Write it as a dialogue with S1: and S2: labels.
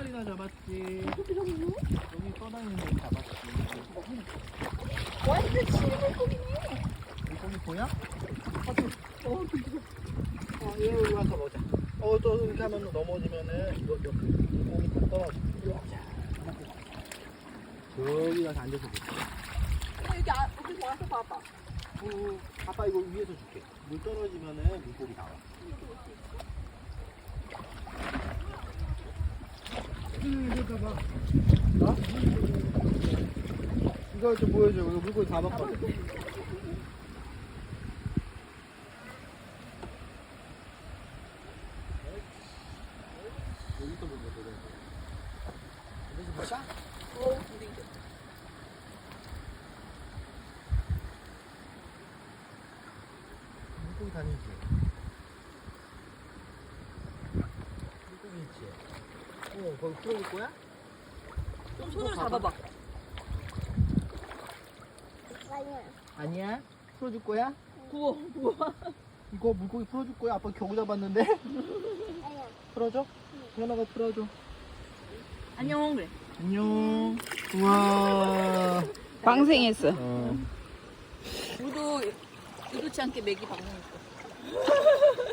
S1: 마리나 잡았지. 여기 떠다니는 거 잡았지.
S2: 완전 실물고기네.
S1: 물고기 보여? 얘 여기 와서 보자. 또 이렇게 하면 넘어지면은 이거 물고기 다 떨어져. 저기 가서 앉아서 보자.
S2: 여기 와서 봐봐.
S1: 아빠 이거 위에서 줄게. 물 떨어지면은 물고기 나와. 이거 봐봐. 나? 이거 좀 보여줘. 이거 물고기 다 먹거든. 여기서 보자, 여기서 보자. 물고기 다니지. 물고기 있지. 거기 풀어줄 거야?
S2: 좀 손으로 잡아봐.
S1: 아니야. 풀어줄 거야?
S2: 구워.
S1: 이거 물고기 풀어줄 거야? 아빠 겨우 잡았는데? 풀어줘? 현아가 풀어줘.
S2: 안녕 그래.
S1: 안녕. 우와.
S3: 방생했어.
S2: 우리도 의도치 않게 맥이 방송했어.